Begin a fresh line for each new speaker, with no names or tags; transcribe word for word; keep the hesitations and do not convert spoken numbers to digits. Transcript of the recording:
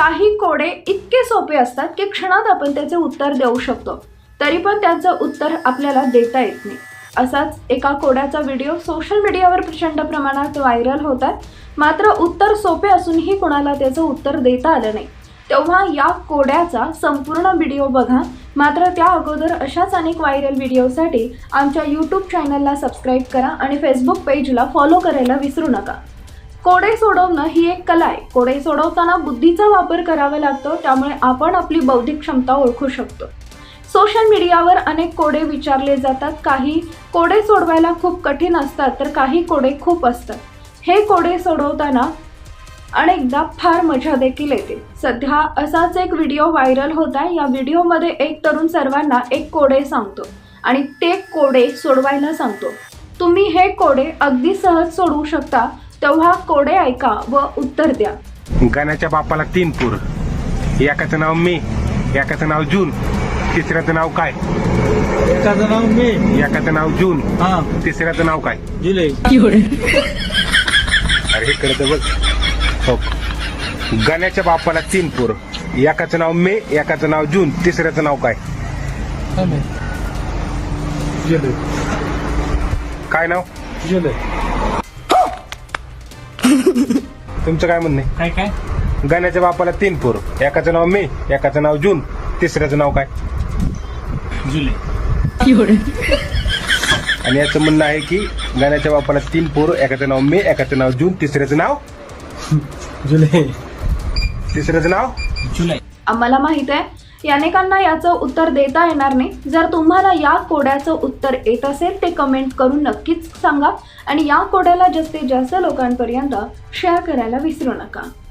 काही कोडे इतके सोपे असतात की क्षणात आपण त्याचे उत्तर देऊ शकतो, तरी पण त्याचं उत्तर आपल्याला देता येत नाही। असाच एका कोड्याचा व्हिडिओ सोशल मीडियावर प्रचंड प्रमाणात व्हायरल होतात, मात्र उत्तर सोपे असूनही कोणाला त्याचं उत्तर देता आलं नाही। तेव्हा या कोड्याचा संपूर्ण व्हिडिओ बघा। मात्र त्या अगोदर अशाच अनेक व्हायरल व्हिडिओसाठी आमच्या यूट्यूब चॅनलला सबस्क्राईब करा आणि फेसबुक पेजला फॉलो करायला विसरू नका। कोडे सोडवणं ही एक कला आहे। कोडे सोडवताना बुद्धीचा वापर करावा लागतो, त्यामुळे आपण आपली बौद्धिक क्षमता ओळखू शकतो। सोशल मीडियावर अनेक कोडे विचारले जातात। काही कोडे सोडवायला खूप कठीण असतात, तर काही कोडे खूप असतात। हे कोडे सोडवताना अनेकदा फार मजा देखील येते। सध्या असाच एक व्हिडिओ व्हायरल होत आहे। या व्हिडिओमध्ये एक तरुण सर्वांना एक कोडे सांगतो आणि ते कोडे सोडवायला सांगतो। तुम्ही हे कोडे अगदी सहज सोडवू शकता, तेव्हा कोडे ऐका व उत्तर द्या।
गाण्याच्या बापाला तीन पूर, एकाचं नाव मे, एकाचं नाव जून, तिसऱ्याचं नाव काय?
एकाचं नाव मे,
एकाचं नाव जून,
हा
तिसऱ्याचं नाव काय?
जुलै।
अरे इकडे तर बघ। हो, गाण्याच्या बापाला तीन पूर, एकाचं नाव मे, एकाचं नाव जून, तिसऱ्याचं नाव काय?
जुलै।
काय नाव?
जुलै।
तुमचं काय म्हणणं आहे?
काय काय?
गाण्याच्या बापाला तीन पूर, एकाचं नाव मे, एकाचं नाव जून, तिसऱ्याचं नाव काय?
जुलै।
आणि याचं म्हणणं आहे की गाण्याच्या बापाला तीन पोर, एकाचं नाव मे, एकाचं नाव जून, तिसऱ्याचं नाव
जुलै।
तिसऱ्याचं नाव
जुलै।
आम्हाला माहित आहे अनेकांना याचं उत्तर देता येणार नाही। जर तुम्हाला या कोड्याचं उत्तर येत असेल ते कमेंट करून नक्कीच सांगा आणि या कोड्याला जास्तीत जास्त लोकांपर्यंत शेअर करायला विसरू नका।